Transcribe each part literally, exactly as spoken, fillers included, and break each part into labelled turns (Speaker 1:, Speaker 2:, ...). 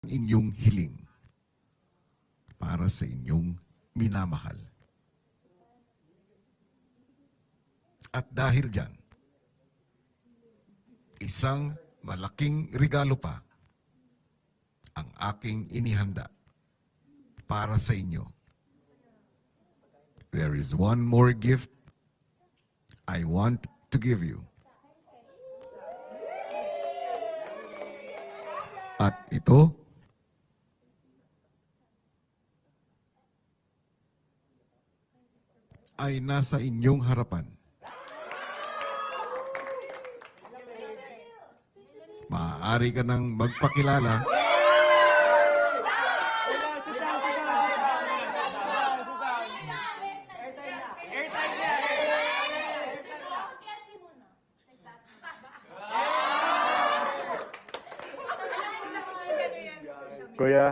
Speaker 1: inyong hiling para sa inyong minamahal. At dahil dyan, isang malaking regalo pa ang aking inihanda para sa inyo. There is one more gift I want to give you. At ito ay nasa inyong harapan. Maaari ka nang magpakilala
Speaker 2: Kuya.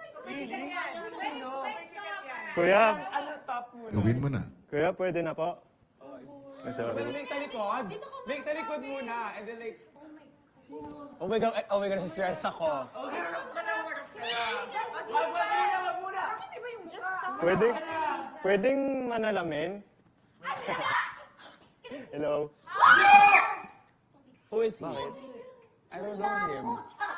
Speaker 2: Kuya.
Speaker 1: Gawin mo na.
Speaker 2: Kuya, pwede na po.
Speaker 3: Well, make talikod. Make talikod muna. And then like, oh my God, oh my God, stress ako.
Speaker 2: Pwede, pwedeng manalamin? Hello?
Speaker 3: Who is he? I don't know him.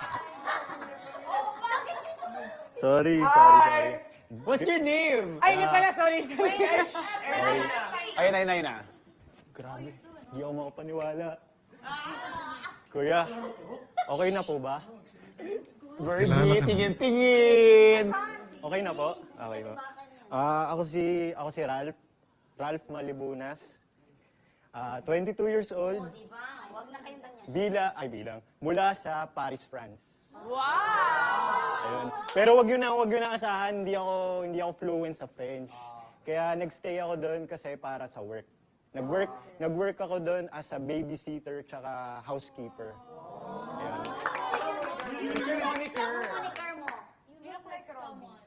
Speaker 2: Sorry, sorry, sorry.
Speaker 3: What's your name?
Speaker 4: Ay, hindi pala, sorry.
Speaker 2: Sorry.
Speaker 3: Ayun, ayun, ayun na.
Speaker 2: Grabe, hindi ako makapaniwala. Kuya, okay na po ba?
Speaker 3: Virgie,
Speaker 1: Kilala ka na.
Speaker 3: tingin-tingin.
Speaker 2: Okay na po? Okay po. Ah, ako si ako si Ralph. Ralph Malibunas. Ah, twenty-two years old.
Speaker 5: Diba? Huwag na kayong ganyan.
Speaker 2: Bila, ay bilang, mula sa Paris, France.
Speaker 4: Wow!
Speaker 2: Ayun. Pero wag yun na, wag yun na asahan, hindi ako, hindi ako fluent sa French. Kaya nagstay ako doon kasi para sa work. Nag-work, nag-work ako doon as a babysitter tsaka housekeeper. Ayun.
Speaker 3: What's your moniker?
Speaker 5: Moniker mo. You look like someone.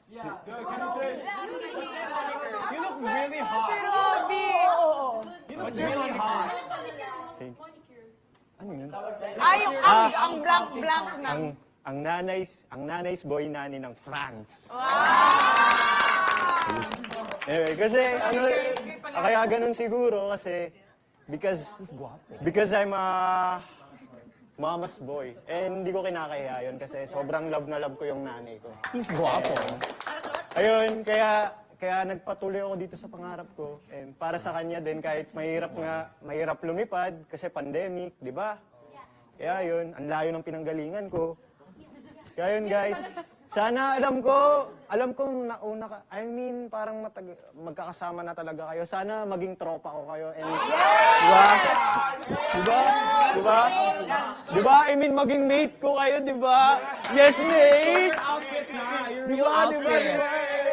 Speaker 3: You look really hot.
Speaker 4: Grabe! Oo.
Speaker 3: You look really hot.
Speaker 2: Ano yun?
Speaker 4: Ay, yung ang, ang blank-blank na.
Speaker 2: Ang ang nanay's, ang nanay's boy nani ng France. Anyway, kasi ano, kaya ganun siguro kasi because because I'm a mama's boy. And hindi ko kinakaya yun kasi sobrang love na love ko yung nanay ko.
Speaker 3: He's guapo.
Speaker 2: Ayun, kaya kaya nagpatuloy ako dito sa pangarap ko. And para sa kanya din kahit mahirap nga, mahirap lumipad kasi pandemic, di ba? Kaya yun, ang layo ng pinanggalingan ko. Kaya yun guys, sana alam ko, alam kong nauna ka, I mean parang matag magkakasama na talaga kayo. Sana maging tropa ko kayo. And, diba? Diba? Diba? Diba? I mean maging mate ko kayo, diba? Yes, mate!
Speaker 3: Outfit na. Your real
Speaker 2: Diba? Diba?
Speaker 3: outfit.
Speaker 2: Diba?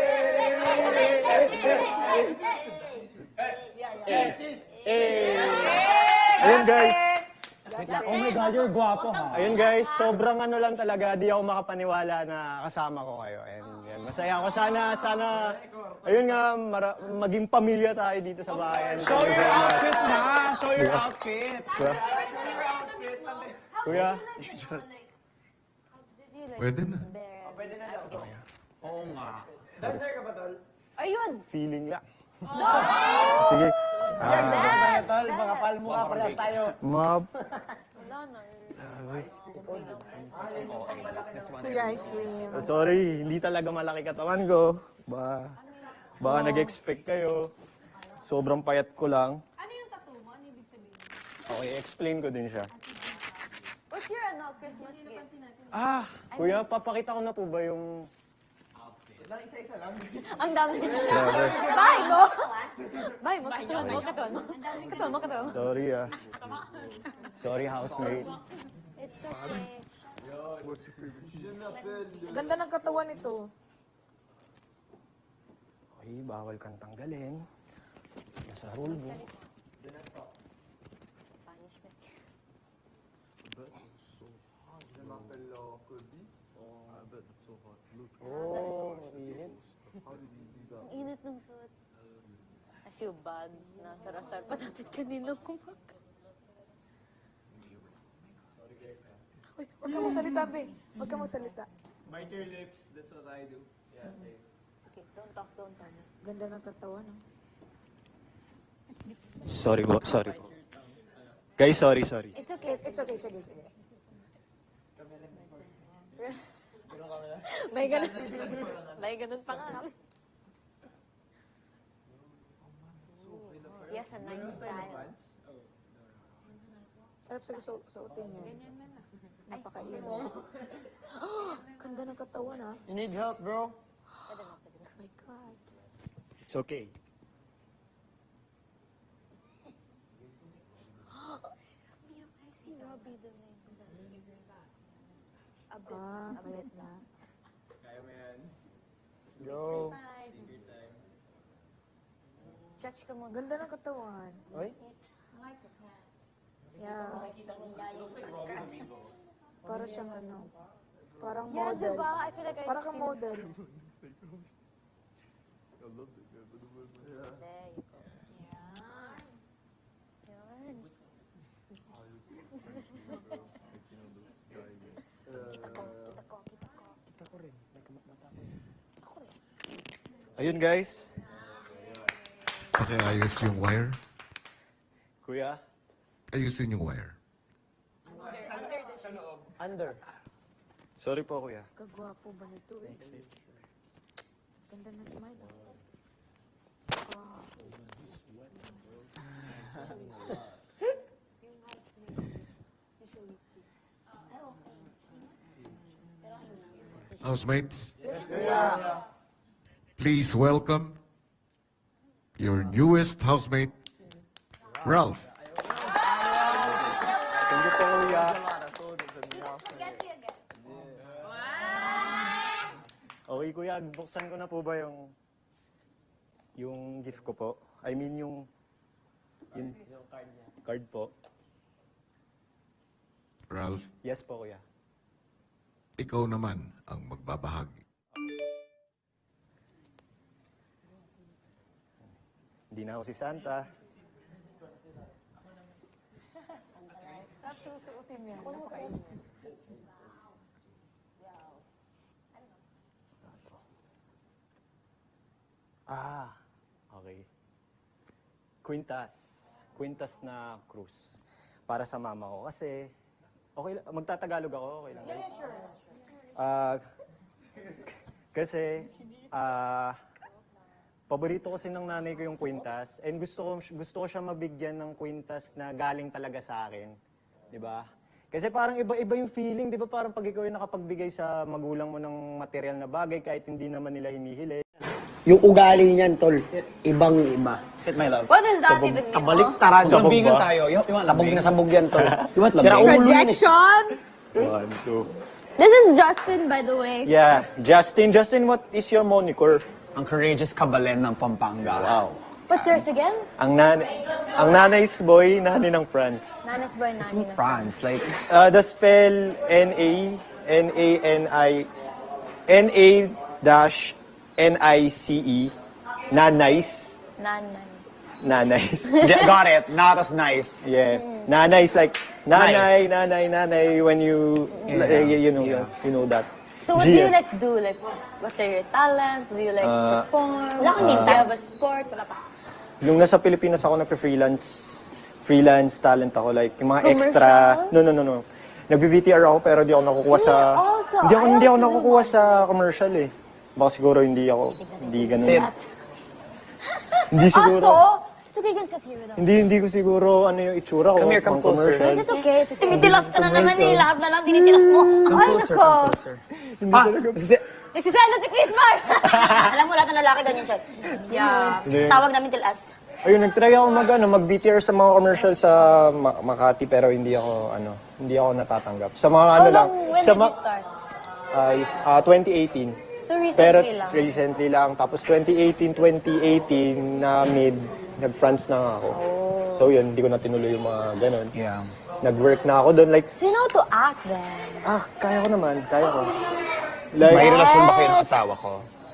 Speaker 2: Eh. Ayun guys.
Speaker 3: Oh my God, you're guapo ha.
Speaker 2: Ayun guys, sobrang ano lang talaga, di ako makapaniwala na kasama ko kayo. And yan, masaya ako. Sana, sana, ayun nga, mara- maging pamilya tayo dito sa bayan.
Speaker 3: Show your outfit na. Show your outfit.
Speaker 2: Kuya,
Speaker 1: Pwede na.
Speaker 3: Oo nga.
Speaker 5: Ayun!
Speaker 2: feeling lang. Sige.
Speaker 5: Bad!
Speaker 3: Tol, mga palmo ka, parehas tayo.
Speaker 2: Map.
Speaker 4: Kuya, ice cream.
Speaker 2: Sorry, hindi talaga malaki katawan ko. Ba, baka nag-expect kayo. Sobrang payat ko lang.
Speaker 5: Ano yung tattoo mo? Ano ibig sabihin?
Speaker 2: Okay, explain ko din siya.
Speaker 5: What's your ano, Christmas gift?
Speaker 2: Ah, kuya, papakita ko na po ba yung...
Speaker 5: Ang dami nila. Bye mo! Bye mo, katuan mo, katuan mo. Katuan mo, katuan mo.
Speaker 2: Sorry ah. Sorry, housemate.
Speaker 5: It's okay.
Speaker 4: Ganda ng katawan nito.
Speaker 2: Okay, bawal kang tanggalin. Nasa rule book.
Speaker 5: Punishment.
Speaker 2: Oh, init.
Speaker 5: Ang init ng suot. I feel bad. Nasarasar pa natin kanina kumaka.
Speaker 4: Uy, huwag ka magsalita, be. Huwag ka magsalita.
Speaker 3: Bite your lips, that's what I do. Yeah, same.
Speaker 5: Okay, don't talk, don't talk.
Speaker 4: Ganda ng katawan, no?
Speaker 2: Sorry po, sorry po. Guys, sorry, sorry.
Speaker 5: It's okay.
Speaker 4: It's okay, sige, sige. May ganun. May ganun pa nga.
Speaker 5: Yes, a nice style.
Speaker 4: Sarap sa su suotin yan. Napakain. Ganda ng katawan, ha?
Speaker 2: You need help, bro?
Speaker 5: Pwede na, pwede na.
Speaker 4: Oh my God.
Speaker 2: It's okay.
Speaker 5: Si Robbie doon eh. A bit,
Speaker 4: Ah,
Speaker 5: a bit.
Speaker 4: payat na.
Speaker 3: Kaya mo yan.
Speaker 2: Go.
Speaker 5: Stretch ka muna.
Speaker 4: Ganda ng katawan.
Speaker 2: Oy?
Speaker 4: Yeah. Para siyang ano. Parang
Speaker 5: Yeah,
Speaker 4: model.
Speaker 5: diba? I feel like I've
Speaker 4: Parang kang
Speaker 5: seen-
Speaker 4: model.
Speaker 5: There you go. Yan. Kita ko, kita ko, kita ko.
Speaker 2: Ayun, guys.
Speaker 1: Pakiayos yung wire.
Speaker 2: Kuya.
Speaker 1: Ayusin yung wire.
Speaker 2: Under. Sorry po, kuya.
Speaker 4: Kagwapo ba nito eh? Ganda ng smile, ah. Wow.
Speaker 1: Housemates, please welcome your newest housemate, Ralph.
Speaker 2: Thank you po, kuya.
Speaker 5: Get you again.
Speaker 2: Okay, kuya. Buksan ko na po ba yung yung gift ko po? I mean, yung yung card po.
Speaker 1: Ralph,
Speaker 2: Yes po, kuya.
Speaker 1: ikaw naman ang magbabahagi.
Speaker 2: Hindi na ako si Santa.
Speaker 4: Sarap susuotin yan. Napakain.
Speaker 2: Ah, okay. Quintas. Quintas na cruise. Para sa mama ko. Kasi, okay lang. Magtatagalog ako. Okay lang, guys. Ah, kasi, ah, paborito kasi ng nanay ko yung kwintas. And gusto ko, gusto ko siya mabigyan ng kwintas na galing talaga sa akin. Di ba? Kasi parang iba-iba yung feeling, di ba? Parang pag ikaw yung nakapagbigay sa magulang mo ng material na bagay kahit hindi naman nila hinihili.
Speaker 6: Yung ugali niyan, tol, ibang-iba.
Speaker 3: Sit my love.
Speaker 5: What does that even mean?
Speaker 6: Kabaliktaran.
Speaker 2: Sabog
Speaker 3: Lambingan
Speaker 2: ba?
Speaker 3: tayo. You, you want
Speaker 6: Sabog na sabog yan, tol.
Speaker 3: You want
Speaker 6: Sira
Speaker 3: lambing?
Speaker 6: ulo yun eh.
Speaker 4: Projection!
Speaker 2: One, two.
Speaker 5: This is Justin, by the way.
Speaker 2: Yeah, Justin. Justin, what is your moniker?
Speaker 3: Ang courageous kabalen ng Pampanga.
Speaker 2: Wow.
Speaker 5: What's yours again?
Speaker 2: Ang nan ang nanay's boy, nanay ng France.
Speaker 5: Nanas boy, nani na.
Speaker 3: France, like,
Speaker 2: Uh, the spell N A N A N I N A dash N I C E. Nanays.
Speaker 5: Nanay.
Speaker 2: Nanays.
Speaker 3: yeah, got it. Not as nice.
Speaker 2: Yeah. Nanay is like nanay,
Speaker 3: Nice.
Speaker 2: nanay, nanay when you
Speaker 3: Yeah.
Speaker 2: you, you know
Speaker 3: Yeah.
Speaker 2: you know that.
Speaker 5: So what do you
Speaker 2: Gia.
Speaker 5: like do? Like, what are your talents? Do you like
Speaker 2: Uh,
Speaker 5: perform? Wala kang name. Do you have a sport? Wala pa.
Speaker 2: Nung nasa Pilipinas ako nagpe-freelance, freelance talent ako, like yung mga
Speaker 5: Commercial?
Speaker 2: extra, no, no, no, no. Nagbi-V T R ako pero di ako nakukuha sa,
Speaker 5: Me also.
Speaker 2: hindi ako,
Speaker 5: I
Speaker 2: hindi ako
Speaker 5: also do
Speaker 2: nakukuha
Speaker 5: one.
Speaker 2: sa commercial eh. Baka siguro hindi ako, hindi ganun.
Speaker 3: Sit.
Speaker 2: Hindi siguro,
Speaker 5: Also, it's okay, you can sit here with us.
Speaker 2: hindi, hindi ko siguro ano yung itsura ko.
Speaker 3: Come here, come
Speaker 2: pang
Speaker 3: closer.
Speaker 2: commercial.
Speaker 5: It's okay, it's okay. Tinitilas ka na naman eh. Lahat na lang tinitilas mo. Ay, nako.
Speaker 3: Ah, sit.
Speaker 5: Nagsiselos si Chris Mar. Alam mo, lahat ng lalaki ganyan siya. Yeah.
Speaker 2: Hindi.
Speaker 5: Tapos tawag namin tilas.
Speaker 2: Ayun, nagtry ako mag, ano, mag-V T R sa mga commercial sa Ma- Makati pero hindi ako, ano, hindi ako natatanggap. Sa mga ano
Speaker 5: How
Speaker 2: lang,
Speaker 5: long, when
Speaker 2: sa
Speaker 5: did
Speaker 2: ma-
Speaker 5: you start?
Speaker 2: ay, ah, twenty eighteen.
Speaker 5: So
Speaker 2: Pero
Speaker 5: recently lang.
Speaker 2: recently lang. Tapos twenty eighteen, twenty eighteen na mid, nag-France na nga ako.
Speaker 5: Oh.
Speaker 2: So yun, hindi ko na tinuloy yung mga ganun.
Speaker 3: Yeah.
Speaker 2: Nag-work na ako doon. Like,
Speaker 5: So you know to act then?
Speaker 2: ah, kaya ko naman, kaya ko. Like,
Speaker 3: May relasyon ba kayo ng asawa ko?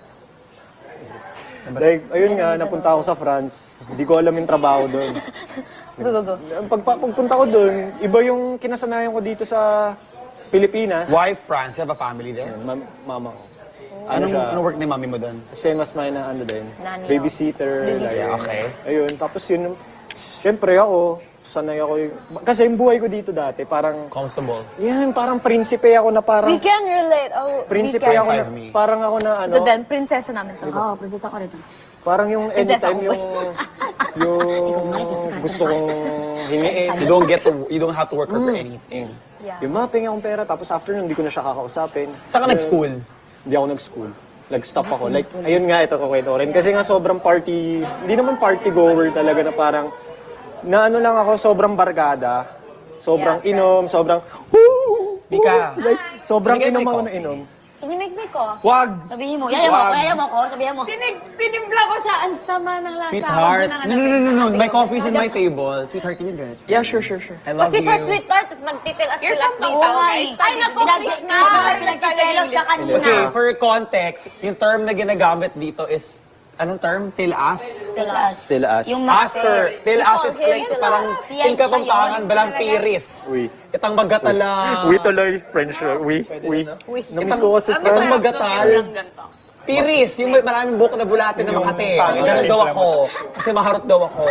Speaker 2: like, ayun nga, napunta ako sa France. Hindi ko alam yung trabaho doon.
Speaker 5: Go, go, go.
Speaker 2: Pag, pagpunta ko doon, iba yung kinasanayan ko dito sa Pilipinas.
Speaker 3: Why France? You have a family there?
Speaker 2: Ma- mama ko. Ano
Speaker 3: Anong,
Speaker 2: siya?
Speaker 3: anong work ni mami mo doon?
Speaker 2: Same as mine na ano din.
Speaker 5: Nanay
Speaker 2: Babysitter.
Speaker 5: Babysitter.
Speaker 2: like,
Speaker 3: Okay.
Speaker 2: Ayun, tapos yun, syempre ako, sanay ako yung, kasi yung buhay ko dito dati, parang,
Speaker 3: Comfortable.
Speaker 2: yan, parang prinsipe ako na parang,
Speaker 5: We can relate. Oh,
Speaker 2: prinsipe
Speaker 5: we can.
Speaker 2: ako na,
Speaker 3: Five me.
Speaker 2: parang ako na ano,
Speaker 5: Ito din, prinsesa namin to.
Speaker 4: Oo, oh, prinsesa ko rito.
Speaker 2: parang yung
Speaker 5: Prinsesa
Speaker 2: anytime
Speaker 5: ko.
Speaker 2: yung, yung gusto kong hingiin.
Speaker 3: You don't get to, you don't have to work hard for anything.
Speaker 5: Yeah.
Speaker 2: Yung mga pengi akong pera, tapos after nun, hindi ko na siya kakausapin.
Speaker 3: Saan ka nag-school?
Speaker 2: Hindi ako nag-school. Nag-stop ako. Like, ayun nga, ito kukwento ko rin. Kasi nga sobrang party, hindi naman party goer talaga na parang, na ano lang ako, sobrang barkada. Sobrang
Speaker 5: Yeah,
Speaker 2: inom, sobrang, woo!
Speaker 3: Mika.
Speaker 2: Like, sobrang
Speaker 3: Can you get
Speaker 2: inom
Speaker 3: my
Speaker 2: ako na
Speaker 3: coffee?
Speaker 2: inom.
Speaker 5: Can you make me coffee?
Speaker 3: Wag!
Speaker 4: Sabihin mo, yaya mo ko, yaya mo ko, sabihin mo.
Speaker 7: Tinig, tinimpla ko siya. Ang sama ng lasa.
Speaker 3: Sweetheart.
Speaker 7: Huwag mo
Speaker 3: No, no, no, no, no. My coffee's in my table. Sweetheart, can you get it?
Speaker 6: Yeah, sure, sure, sure.
Speaker 3: I love you.
Speaker 5: Sweetheart, sweetheart, tapos nagtitilas-tilas
Speaker 7: You're from
Speaker 5: dito,
Speaker 7: Hawaii.
Speaker 5: guys. Ay, naku,
Speaker 4: Pinagsi-
Speaker 5: please
Speaker 4: Mas mga
Speaker 5: na.
Speaker 4: pinagsiselos ka kanina.
Speaker 3: Okay, for context, yung term na ginagamit dito is, anong term? Tilas?
Speaker 4: Tilas.
Speaker 2: Tilaas.
Speaker 4: Yung
Speaker 3: Aster. Tilas is
Speaker 5: call him
Speaker 3: like
Speaker 5: tilas.
Speaker 3: parang
Speaker 4: Siya-
Speaker 3: tingka
Speaker 4: siya
Speaker 3: pampangan,
Speaker 4: yun.
Speaker 3: balang piris.
Speaker 2: Uy.
Speaker 3: Itang magatala.
Speaker 2: We tuloy, French, uh, we, we. Namiss ko kasi
Speaker 3: Itang
Speaker 2: French.
Speaker 3: magatal. Piris, yung may maraming buhok na bulatin na Makati. Ganun daw ako. Kasi maharot daw ako.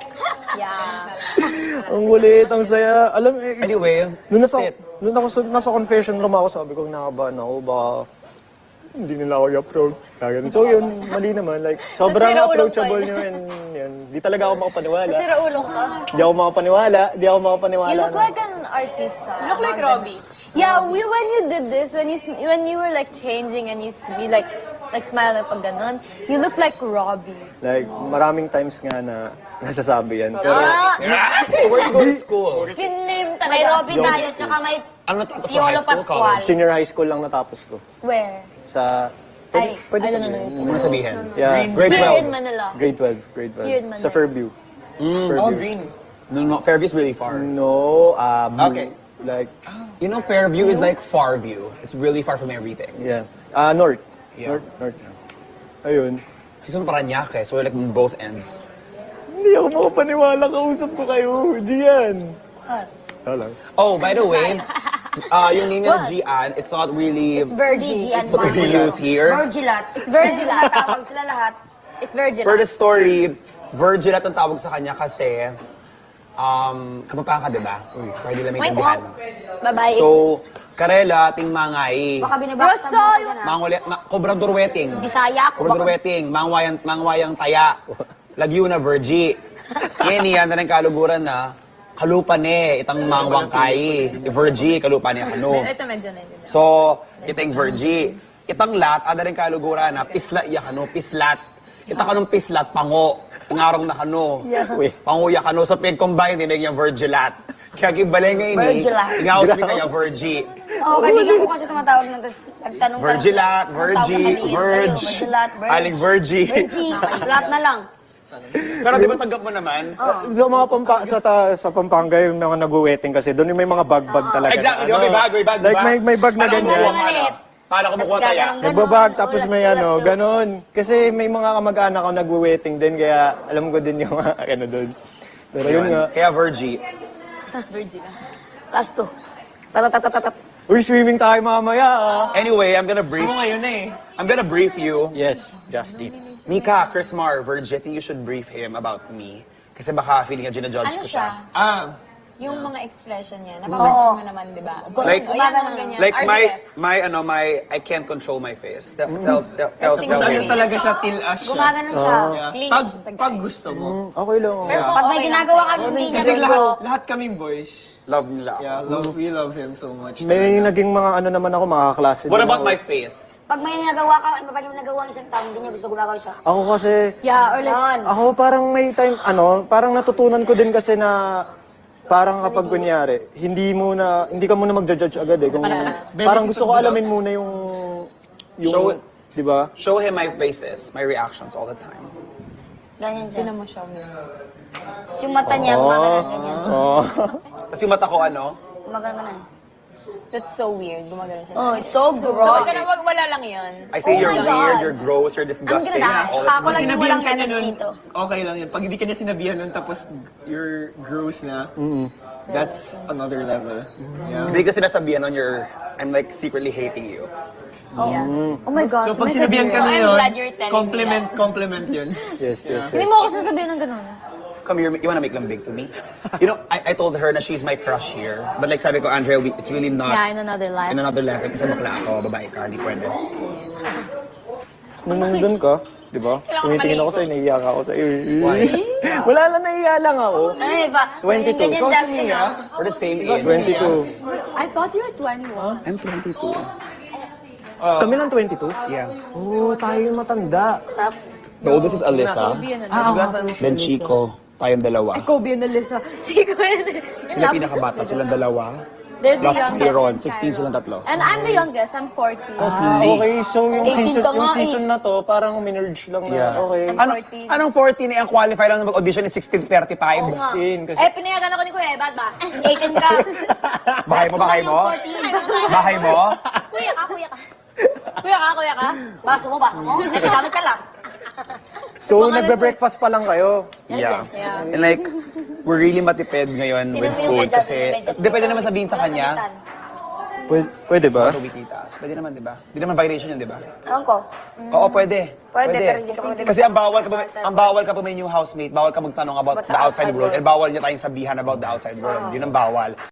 Speaker 5: Yeah.
Speaker 2: Ang kulit, ang saya. Alam, eh,
Speaker 3: Anyway,
Speaker 2: nung nasa,
Speaker 3: sit.
Speaker 2: nung nasa, nasa confession room ako, sabi ko, nakabahan ako, baka hindi nila ako i-approach. Kaya So yun, mali naman. Like, sobrang
Speaker 5: Nasira ulo
Speaker 2: approachable
Speaker 5: pa
Speaker 2: nyo and yun. Di talaga ako makapaniwala.
Speaker 5: Sira ulong ka.
Speaker 2: Di ako makapaniwala. Di ako makapaniwala.
Speaker 5: You look
Speaker 2: na-
Speaker 5: like an artist.
Speaker 7: You look like Robbie.
Speaker 5: Yeah, we, when you did this, when you sm- when you were like changing and you, s- you like like smile na pag ganun, you look like Robbie.
Speaker 2: Like, maraming times nga na nasasabi yan. Pero,
Speaker 5: Ah,
Speaker 3: Where you go to school?
Speaker 5: kinlim talaga.
Speaker 4: May Robby tayo, tsaka may
Speaker 3: Ano natapos mo?
Speaker 4: Piolo
Speaker 3: High school,
Speaker 4: Pascual.
Speaker 3: college?
Speaker 2: senior high school lang natapos ko.
Speaker 5: Where?
Speaker 2: Sa,
Speaker 5: Ay,
Speaker 2: pwede
Speaker 5: I don't
Speaker 2: sabihin.
Speaker 5: know.
Speaker 3: Ano mo sabihin?
Speaker 2: Yeah,
Speaker 3: Grade
Speaker 5: Here in
Speaker 3: twelve.
Speaker 5: Manila.
Speaker 2: grade twelve. Grade twelve.
Speaker 5: Here in
Speaker 2: Sa
Speaker 5: Manila.
Speaker 2: Fairview. Fairview.
Speaker 3: No, no, Fairview's really far.
Speaker 2: No, uh, blue.
Speaker 3: Okay.
Speaker 2: Like,
Speaker 3: You know, Fairview is like Farview. It's really far from everything.
Speaker 2: yeah. Ah, north.
Speaker 3: Yeah.
Speaker 2: North, north. Ayun.
Speaker 3: She's from Parañaque, so we're like on both ends.
Speaker 2: Hindi ako makapaniwala, kausap ko kayo. Hindi yan. Wala.
Speaker 3: Oh, by the way, uh, yung name nila Gian, it's not really
Speaker 5: It's Virgie.
Speaker 4: G and
Speaker 3: what we use here.
Speaker 4: Virgilat.
Speaker 5: It's Virgie lahat.
Speaker 4: Tawag sila lahat.
Speaker 5: It's Virgie
Speaker 3: For the
Speaker 5: lahat.
Speaker 3: story, Virgil at ang tawag sa kanya kasi um, kamapaka, di ba? Para di lang may
Speaker 5: May
Speaker 3: tindihan.
Speaker 5: Babae.
Speaker 3: So, karela, ting mangay.
Speaker 4: Baka binabaksan mo ako dyan, ha?
Speaker 3: Mangwali, ma, kobrador weting.
Speaker 4: Bisaya ako.
Speaker 3: Kobrador weting, mangwayang, mangwayang taya. Lagyo na Virgie. Yan yan, na ng kaluguran na, kalupan eh, itang mangwang kai. Virgie, kalupan eh, ano.
Speaker 7: Ito medyo na yun.
Speaker 3: So, itang Virgie. Itang lat, ada rin kaluguran na, pislat ya kano, pislat. Ita kanong pislat, pango. Ngarong na kano.
Speaker 2: Uy.
Speaker 3: Panguya kano. Sa pig-combine, tinag yung Virgilat. Kaya gibalay ngayon eh.
Speaker 4: Virgilat.
Speaker 3: Ingawas mi kaya Virgie.
Speaker 4: Oo, kaibigan ko kasi tumatawag ng tapos nagtanong ka.
Speaker 3: Virgilat, Virgie, Verge.
Speaker 4: Virgilat, Verge.
Speaker 3: Aling Virgie.
Speaker 4: Virgie. Lahat na lang.
Speaker 3: Pero di ba tanggap mo naman?
Speaker 2: Sa mga pampa, sa, ta, sa Pampanga, yung mga nag-wedding kasi, doon yung may mga bag-bag talaga.
Speaker 3: Exactly,
Speaker 2: na
Speaker 3: di ba? May bag, may bag, di
Speaker 2: Like,
Speaker 3: ba?
Speaker 2: may, may bag na
Speaker 3: Paano
Speaker 2: ganyan.
Speaker 3: kumukuha
Speaker 4: Maliit.
Speaker 3: ka? Paano kumukuha
Speaker 4: Tas
Speaker 3: taya?
Speaker 4: gaganong-
Speaker 2: Nagbabag,
Speaker 4: Ganon,
Speaker 2: tapos may
Speaker 4: ulas,
Speaker 2: ano,
Speaker 4: ulas,
Speaker 2: ganon. Kasi may mga kamag-anak ako nag-wedding din, kaya alam ko din yung mga ano doon. Pero yun nga.
Speaker 3: Kaya Virgie.
Speaker 4: Last two. Tatatatatat.
Speaker 2: Uy, swimming tayo mamaya ah.
Speaker 3: Anyway, I'm gonna brief. ngayon eh. I'm gonna brief you.
Speaker 6: Yes, Justin.
Speaker 3: Mika, Chris Mar, Virgie, I think you should brief him about me. Kasi baka feeling niya ginajudge
Speaker 7: Ano
Speaker 3: ko
Speaker 7: siya?
Speaker 3: siya.
Speaker 6: Ah,
Speaker 7: Yung mga expression niya. Napapansin mo naman, di ba?
Speaker 3: Like-
Speaker 7: O, yan, mga ganyan.
Speaker 3: Like my,
Speaker 7: R D F.
Speaker 3: my, ano, my, I can't control my face. Tell, tell, tell, tell,
Speaker 7: Mas
Speaker 3: tell
Speaker 6: ano
Speaker 3: me.
Speaker 6: talaga siya, tilas siya.
Speaker 4: Gumaganon siya.
Speaker 7: Clingy
Speaker 6: Pag,
Speaker 7: siya sa
Speaker 6: pag
Speaker 7: guy.
Speaker 6: gusto mo.
Speaker 2: Okay lang. oh.
Speaker 7: Pero kung
Speaker 4: Pag may
Speaker 7: okay lang
Speaker 4: ginagawa
Speaker 7: sa'yo,
Speaker 4: kami hindi niya
Speaker 6: Kasi
Speaker 4: gusto.
Speaker 6: lahat, lahat kaming boys.
Speaker 3: Love nila ako.
Speaker 6: Yeah, love, we love him so much.
Speaker 2: May
Speaker 6: talaga.
Speaker 2: naging mga ano naman ako, mga kaklase.
Speaker 3: What
Speaker 2: din
Speaker 3: about
Speaker 2: ako.
Speaker 3: my face?
Speaker 4: Pag may nagawa ka, pag may nagawa ang isang tao, hindi niya gusto gumagawa siya.
Speaker 2: Ako kasi,
Speaker 5: Yeah, or like,
Speaker 2: ako parang may time, ano, parang natutunan ko din kasi na parang kapag kunyari, hindi mo na, hindi ka muna mag-judge agad eh. Kung, parang gusto ko alamin muna yung, yung,
Speaker 3: Show it.
Speaker 2: di ba?
Speaker 3: Show him my faces, my reactions all the time.
Speaker 4: Ganyan siya.
Speaker 7: Sino mo siya?
Speaker 4: Tapos yung mata niya, gumaganon ganyan.
Speaker 2: Oh.
Speaker 3: Kasi yung mata ko, ano?
Speaker 4: Gumaganon ganon.
Speaker 7: That's so weird. Gumagano siya.
Speaker 4: Oh, it's so
Speaker 7: So,
Speaker 4: gross.
Speaker 7: wag ka na, wag, wala lang yun.
Speaker 3: I say
Speaker 4: Oh
Speaker 3: you're
Speaker 4: my
Speaker 3: weird,
Speaker 4: God.
Speaker 3: you're gross, you're
Speaker 4: Ang
Speaker 3: disgusting.
Speaker 4: ganda.
Speaker 3: all
Speaker 4: Tsaka
Speaker 3: the
Speaker 4: ako lang yung
Speaker 6: Sinabihan
Speaker 4: walang
Speaker 6: ka niya
Speaker 4: chemist
Speaker 6: nun,
Speaker 4: dito.
Speaker 6: okay lang yun. Pag hindi ka niya sinabihan nun, tapos you're gross na, That's another level. Yeah.
Speaker 3: Hindi ka sinasabihan on your, I'm like secretly hating you.
Speaker 5: Oh my gosh.
Speaker 6: So pag
Speaker 5: may
Speaker 6: sinabihan ka
Speaker 5: sabihin.
Speaker 6: na
Speaker 7: I'm
Speaker 6: yun,
Speaker 7: glad you're telling me
Speaker 6: compliment, compliment yun.
Speaker 8: Yes, yes.
Speaker 5: Hindi mo ako sinasabihin ng ganun.
Speaker 3: Come here, you wanna make lambig to me? You know, I, I told her na she's my crush here. But like sabi ko, Andrea, we, it's really not
Speaker 5: Yeah, in another life.
Speaker 3: in another level. Kasi bakla ako, babae ka, hindi pwede.
Speaker 8: Nung nandun ka, di ba? Tumitingin ako sa'yo, naiiyak ako sa'yo.
Speaker 3: Why?
Speaker 8: Wala lang, naiiyak lang ako.
Speaker 5: Ay, ba?
Speaker 8: twenty-two.
Speaker 5: Ganyan,
Speaker 8: Ikaw,
Speaker 5: Justin,
Speaker 8: Mia?
Speaker 5: ah.
Speaker 3: We're the same age.
Speaker 8: twenty-two.
Speaker 5: I thought you were twenty-one.
Speaker 3: I'm twenty-two.
Speaker 8: Kami lang twenty-two?
Speaker 3: Yeah.
Speaker 8: Oo, tayo yung matanda.
Speaker 3: The oldest is Alyssa,
Speaker 5: Kobe and Alyssa.
Speaker 3: then Chico, tayong dalawa.
Speaker 5: Kobe and Alyssa. Chico and
Speaker 3: Sila pinakabata, silang dalawa.
Speaker 5: They're the
Speaker 3: Last
Speaker 5: youngest.
Speaker 3: year on,
Speaker 5: in
Speaker 3: sixteen
Speaker 5: Cairo.
Speaker 3: silang tatlo.
Speaker 5: And I'm the youngest. I'm fourteen.
Speaker 8: Ah, okay, so yung
Speaker 5: eighteen
Speaker 8: season,
Speaker 5: ka
Speaker 8: yung
Speaker 5: nga eh.
Speaker 8: season na to, parang minerge lang na,
Speaker 3: Yeah.
Speaker 8: okay.
Speaker 5: I'm
Speaker 3: Ano,
Speaker 5: fourteen.
Speaker 3: anong fourteen eh, ang qualify lang na mag-audition is sixteen to thirty-five?
Speaker 5: Oo nga.
Speaker 8: sixteen, kasi-
Speaker 5: Eh, pinayagan ako ni Kuya. Eh, ba't ba? eighteen ka.
Speaker 3: Bahay mo, bahay mo?
Speaker 5: fourteen.
Speaker 3: Bahay mo?
Speaker 5: Kuya ka, kuya ka. Kuya ka, kuya ka. Baso mo, baso mo. Eh, gamit ka lang.
Speaker 8: So,
Speaker 5: Mga
Speaker 8: nagbe-breakfast pa lang kayo?
Speaker 3: Yeah.
Speaker 5: Yeah.
Speaker 3: And like, we're really matipid ngayon with
Speaker 5: Tinan mo yung
Speaker 3: food
Speaker 5: medyas,
Speaker 3: kasi,
Speaker 5: yung medyas.
Speaker 3: di pwede naman sabihin sa kanya,
Speaker 8: Pwede, pwede ba?
Speaker 3: tuwititas. Pwede naman, di ba? Di naman violation yun, di ba?
Speaker 5: Ewan ko.
Speaker 3: Oo, pwede.
Speaker 5: Pwede, pero hindi ka pwede.
Speaker 3: Kasi ang bawal ka pa, ang bawal ka pa may new housemate, bawal ka magtanong about
Speaker 5: About
Speaker 3: the
Speaker 5: sa
Speaker 3: outside
Speaker 5: outside
Speaker 3: world,
Speaker 5: world.
Speaker 3: and bawal niya tayong sabihan about the outside world. Yun ang bawal.